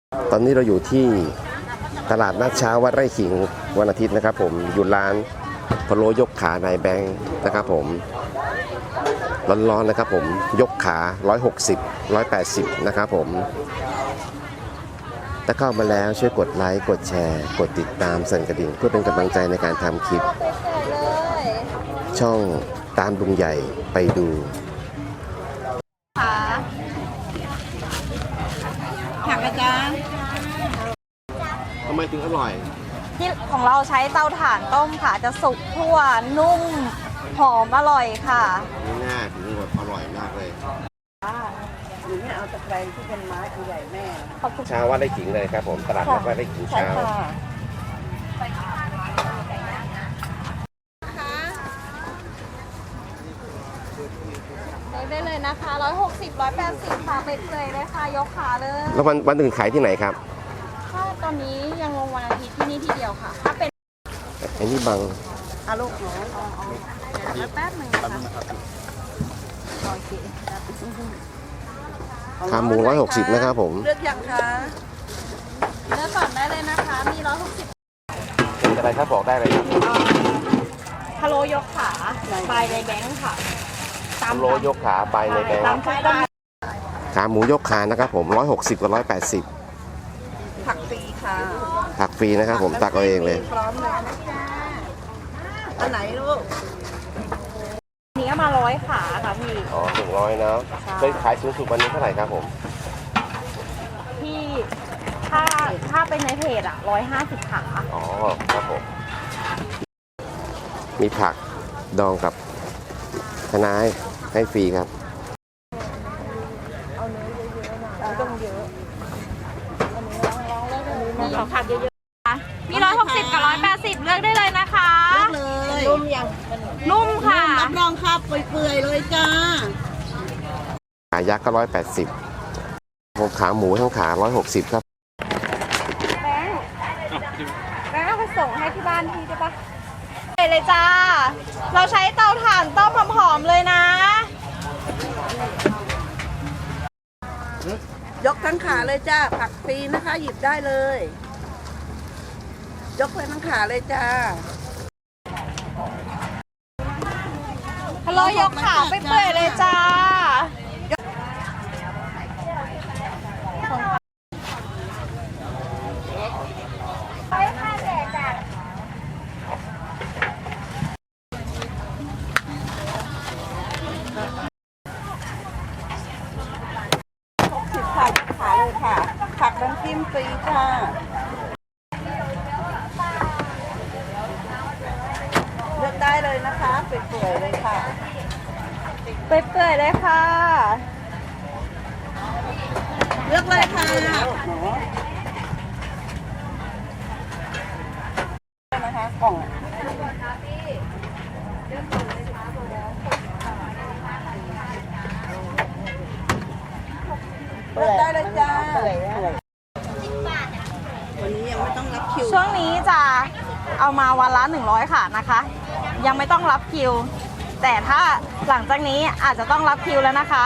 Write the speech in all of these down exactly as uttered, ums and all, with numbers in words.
ตอนนี้เราอยู่ที่ตลาดนัดเช้าวัดไร่ขิงวันอาทิตย์นะครับผมอยู่ร้านพะโล้ยกขานายแบงค์นะครับผมร้อนๆนะครับผมยกขาหนึ่งร้อยหกสิบ หนึ่งร้อยแปดสิบนะครับผมถ้าเข้ามาแล้วช่วยกดไลค์กดแชร์กดติดตามสั่นกระดิ่งเพื่อเป็นกำลังใจในการทำคลิปช่องตามลุงใหญ่ไปดูผักอาจารย์ทำไมถึงอร่อยที่ของเราใช้เตาถ่านต้มค่ะจะสุกทั่วนุ่มหอมอร่อยค่ะง่ายถึงแบบอร่อยมากเลยหนูไม่เอาตะไคร้ที่เป็นไม้อันใหญ่แม่เช้าวัดไร่ขิงเลยครับผมตลาดนัดวัดไร่ขิงเช้าได้เลยนะคะหนึ่งร้อยหกสิบ หนึ่งร้อยแปดสิบค่ะเป็ดเลยเลยค่ะยกขาเลยแล้ววันวันอื่นขายที่ไหนครับถ้าตอนนี้ยังลงวันอาทิตย์ที่นี่ที่เดียวค่ะถ้าเป็นไอ้นี่บังอาลูกหนูอ๋อเดี๋ยวแป๊บหนึ่งนะคะโอเคขาหมูร้อยหกสิบนะครับผมเลือกยังคะเลือกก่อนได้เลยนะคะมีหนึ่งร้อยหกสิบเป็นอะไรครับบอกได้เลยครับพะโล้ยกขาใบในแบงค์ค่ะพะโล้ยกขาใบในแบงค์ขาหมูยกขานะครับผมร้อยหกสิบกับร้อยแปดสิบผักฟรีค่ะผักฟรีนะครับผมตักเอาเองเลยพร้อมเลยนะจ๊ะอันไหนลูกนี้มาร้อยขาค่ะพี่อ๋อถึงร้อยนะเคยขายสูงสุดวันนี้เท่าไหร่ครับผมพี่ถ้าถ้าเป็นในเพจอ่ะร้อยห้าสิบขาอ๋อครับผมมีผักดองกับคะน้าให้ฟรีครับเอาเนื้อเยอะๆหน่อยไม่ต้องเยอะอันนี้ลองๆเลยมีขอผักเยอะๆค่ะมีร้อยหกสิบกับร้อยแปดสิบเลือกได้เลยนะคะเลือกเลยนุ่มยังนุ่มค่ะรับรองครับเปื่อยๆเลยจ้าขายักษ์ก็ร้อยแปดสิบผมขาหมูทั้งขาร้อยหกสิบครับแบงค์แบงค์เอาไปส่งให้ที่บ้านพี่ได้ปะเลยจ้าเราใช้เตาถ่านต้มหอมๆเลยนะยกทั้งขาเลยจ้าผักฟรีนะคะหยิบได้เลยยกไปทั้งขาเลยจ้าฮัลโหลยกขาไปเปื่อยเลยจ้าขาเลยค่ะผักน้ำจิ้มฟรีจ้าเลือกได้เลยนะคะเปื่อยๆเลยค่ะเปื่อยๆเลยค่ะเลือกเลยค่ะนะคะกล่องเลือกได้เลยจ้าวันนี้ยังไม่ต้องรับคิวช่วงนี้จะเอามาวันละหนึ่งร้อยค่ะนะคะยังไม่ต้องรับคิวแต่ถ้าหลังจากนี้อาจจะต้องรับคิวแล้วนะคะ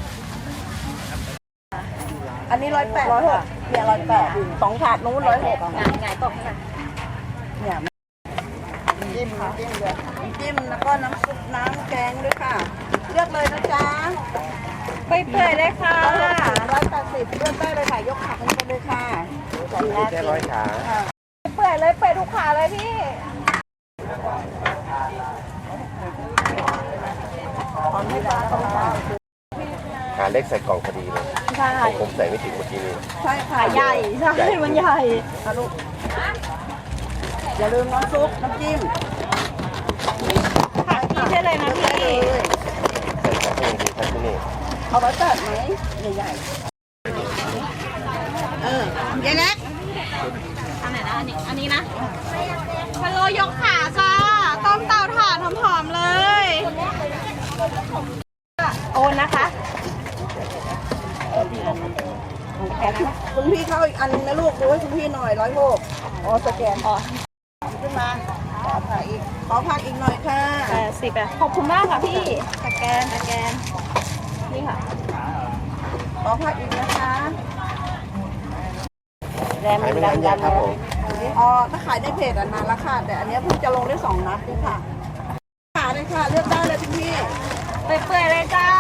อันนี้ร้อยแปดร้อยหกเนี่ยร้อยแปดสองถาดนู้นร้อยหกงานงานตกค่ะเนี่ยจิ้มจิ้มเลยจิ้มแล้วก็น้ำซุปน้ำแกงด้วยค่ะเลือกเลยนะจ๊ะไปเปื่อยเลยค่ะร้อยแปดสิบเลือกได้เลยค่ะยกขาขึ้นไปเลยค่ะแค่ร้อยขาเปื่อยเลยเปื่อยทุกขาเลยพี่ขาเล็กใส่กล่องพอดีเลยใช่ผมใส่ไม่ถึงเมื่อกี้นี้ใช่ค่ะใหญ่ใช่มันใหญ่ลูกอย่าลืมน้ำซุปน้ำจิ้มผักชีได้เลยนะพี่ใส่ขาเองดีครับที่นี่เอาไว้ตัดไหมใหญ่ๆเออใหญ่เล็กอันไหนนะอันนี้อันนี้นะพะโล้ยกขาจ้าต้มเตาถ่านหอมๆเลยโอนนะคะคุณพี่เข้าอีกอันนึงนะลูกดูให้คุณพี่หน่อยร้อยหกอ๋อสแกนอ๋อขึ้นมาขอผักอีกขอผักอีกหน่อยค่ะแปดสิบอ่ะขอบคุณมากค่ะพี่สแกนสแกนนี่ค่ะขอผักอีกนะคะแรมขายไม่นานยังครับผมอ๋อถ้าขายในเพจอันนานละค่ะแต่อันเนี้ยเพิ่งจะลงได้สองนัดนี่ค่ะขายเลยค่ะเลือกได้เลยคุณพี่เปื่อยๆเลยจ้า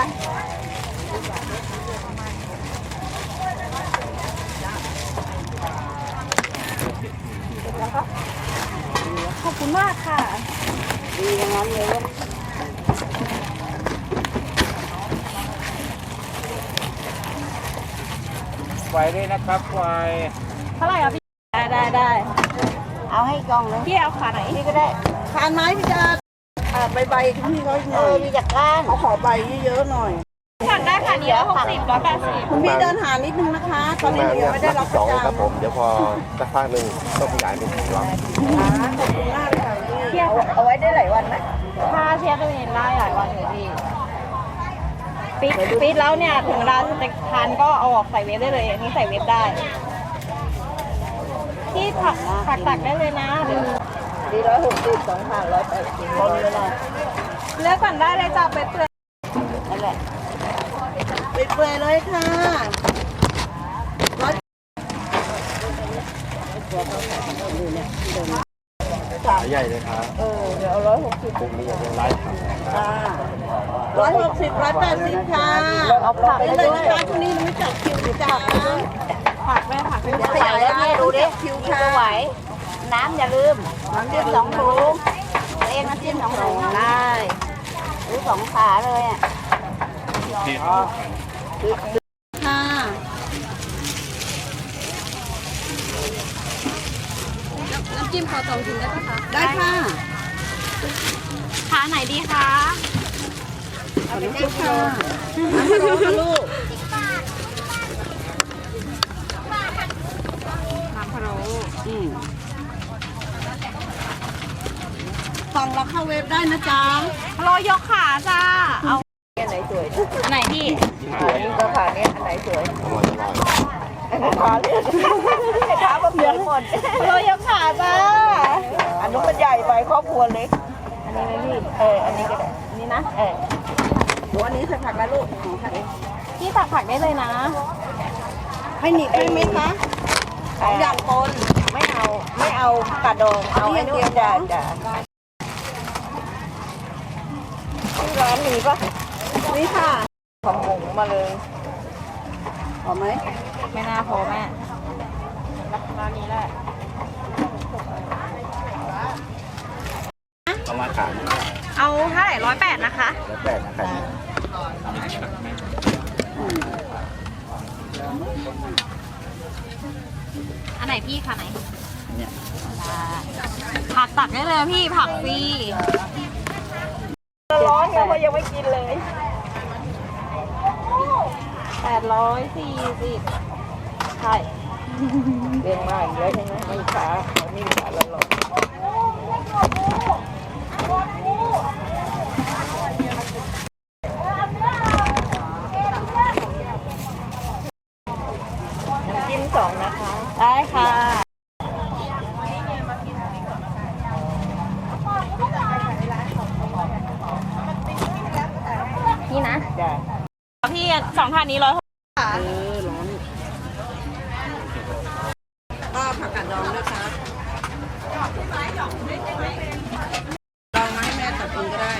ขอบคุณมากค่ะดีอย่างนั้นเลยไฟด้วยนะครับไฟเท่าไหร่อ่ะพี่ ได้ได้ได้เอาให้กล่องเลยพี่เอาขาไหนนี่ก็ได้ทานไหมพี่จะอ่าใบใบๆคุณพี่เขาอีกหน่อยมีจากก้านเขาขอใบเยอะๆหน่อยสั่งได้ค่ะนี้ร้อยหกสิบร้อยแปดสิบคุณพี่เดินหานิดนึงนะคะ ตอนนี้มาหนูยังไม่ได้รับสองประครับจำผมเดี๋ยวพอสักพักหนึ่งต้องขยายเป็นสี่รอบขอบคุณมากค่ะพี่เอาเอาไว้ได้หลายวันไหมถ้าเชียร์ตัวเองได้หลายวันเลยพี่ปิดปิดแล้วเนี่ยถึงเวลาจะทานก็เอาออกใส่เวฟได้เลยอันนี้ใส่เวฟได้ที่ผักผักตักได้เลยนะเดี๋ยวดีร้อยหกสิบสองพันร้อยแปดสิบคนเลยนะเลือกก่อนได้เลยจ้าไปเปื่อยนั่นแหละปิดเปลือยเลยค่ะร้อยใหญ่เลยครับเออเดี๋ยวเอาร้อยหกสิบพรุ่งนี้ยังไลฟ์ครับค่ะร้อยหกสิบร้อยแปดสิบค่ะเอาผักไปเลยนะคะคุณนี่รู้จักคิวหรือจักนะผักแม่ผักเป็นขยายให้ดูดิคิวค่ะไหวน้ำอย่าลืมน้ำจิ้มสองถุงเองน้ำจิ้มสองถุงได้หรือสองขาเลยอ่ะที่ค่ะน้ำจิ้มขอสองถุงได้ไหมคะได้ค่ะขาไหนดีคะเอาไปจิ้มค่ะน้ำพะโล้ค่ะลูกน้ำพะโล้อืมสั่งแล้วเข้าเว็บได้นะจ๊ะพะโล้ยกขาจ้าเอาอันไหนสวยอันไหนพี่ขานี้ก็ขานี้อันไหนสวยอร่อยอร่อยอันไหนขาเลือกขาแบบเหมือนหมดพะโล้ยกขาจ้าอันนู้นมันใหญ่ไปครอบครัวเล็ก อันนี้ไหมพี่ เออ อันนี้ก็ได้อันนี้นะเออหนูอันนี้ใส่ผักแล้วลูกหนูผักเองพี่ตักผักได้เลยนะให้หนีบได้ไหมคะสองอย่างปนไม่เอา ไม่เอากระดอง เอาไอ้นู่นจ้ะจ้ะที่ร้านมีปะนี่ค่ะของหมูมาเลยพอไหมไม่น่าพอแม่ร้านนี้แหละเอามาขายเอาเท่าไหร่ร้อยแปดนะคะแล้วแต่นะครับอันไหนพี่คะไหนเนี่ยผักตักได้เลยพี่ผักฟรีร้อนเนี่ยว่ายังไม่กินเลยแปดร้อยสี่สิบใช่เรียงมาอีกแล้วใช่ไหมไม่ขาไม่ขาแล้วหรอกน้ำจิ้มสองนะคะได้ค่ะ นี่นะจ้ะพี่สองถาดนี้ร้อยหกค่ะเออร้อนก็ผักกาดดองด้วยครับดองมาให้แม่ตัดเองก็ได้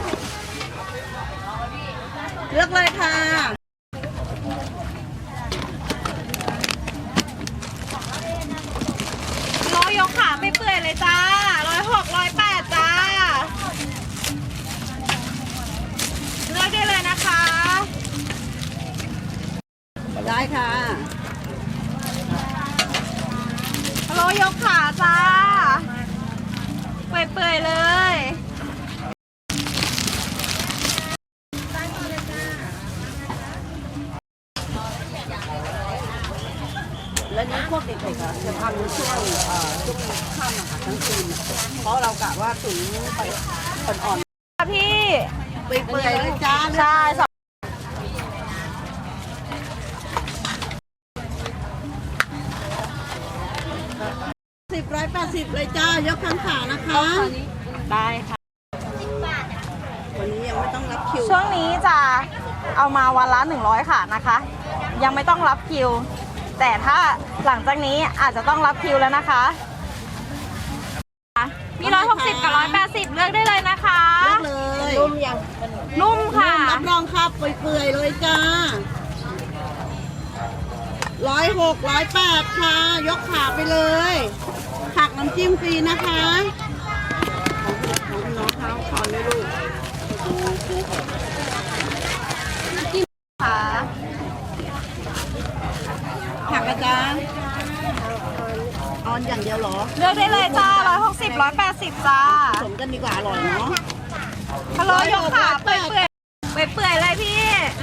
เลือกเลยค่ะร้อยยกขาไม่เปื่อยเลยจ้าร้อยหกร้อยแปดจ้าเลือกได้เลยนะคะได้ค่ะร้อยยกขาจ้าเปื่อยๆเลยและนี้พวกเด็กๆอะจะทำช่วงเอ่อช่วงค่ำอะค่ะทั้งคืนอะเพราะเรากะว่าถึงไปอ่อนค่ะพี่ๆเปื่อยๆเลยจ้าใช่สองสิบร้อยแปดสิบเลยจ้ายกทั้งขานะคะได้ค่ะวันนี้ยังไม่ต้องรับคิวช่วงนี้จะเอามาวันละหนึ่งร้อยค่ะนะคะ ยังไม่ต้องรับคิวแต่ถ้าหลังจากนี้อาจจะต้องรับคิวแล้วนะคะมีร้อยหกสิบกับร้อยแปดสิบเลือกได้เลยนะคะเลือกเลยนุ่มยังนุ่มค่ะรับรองครับเปื่อยๆเลยจ้าร้อยหกร้อยแปดค่ะ ยกขาไปเลยผักน้ำจิ้มฟรีนะคะของน้องเขาขอเลยลูกค่ะผักอาจารย์ออนอย่างเดียวเหรอเลือกได้เลยจ้าร้อยหกสิบร้อยแปดสิบจ้าผสมกันดีกว่าอร่อยเนาะพะโล้ยกขาเปื่อยเปื่อยเปื่อยเปื่อยเลยพี่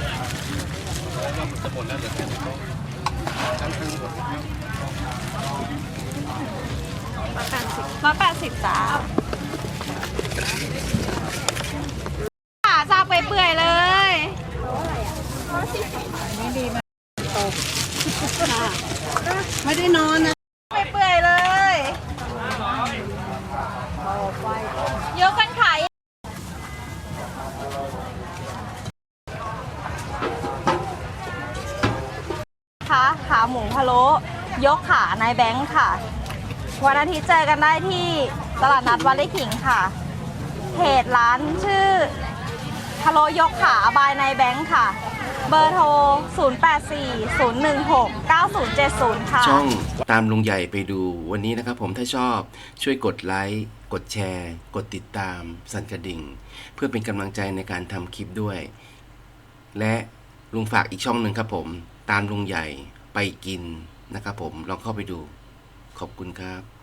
ร้อยแปดสิบจ้าขาจ้าเปื่อยเปื่อยเลยค่ะไม่ได้นอนนะเปื่อยเปื่อยเลยยกกันขายค่ะขาหมูพะโล้ยกขานายแบงค์ค่ะ วันอาทิตย์เจอกันได้ที่ตลาดนัดวัดไร่ขิงค่ะเพจร้านชื่อพะโล้ยกขาบายนายแบงค์ค่ะ เบอร์โทร ศูนย์ แปด สี่ ศูนย์ หนึ่ง หก เก้า ศูนย์ เจ็ด ศูนย์ ค่ะช่องตามลุงใหญ่ไปดูวันนี้นะครับผมถ้าชอบช่วยกดไลค์กดแชร์ กดติดตามสั่นกระดิ่ง เพื่อเป็นกำลังใจในการทำคลิปด้วย และลุงฝากอีกช่องหนึ่งครับผมตามลุงใหญ่ไปกินนะครับผมลองเข้าไปดูขอบคุณครับ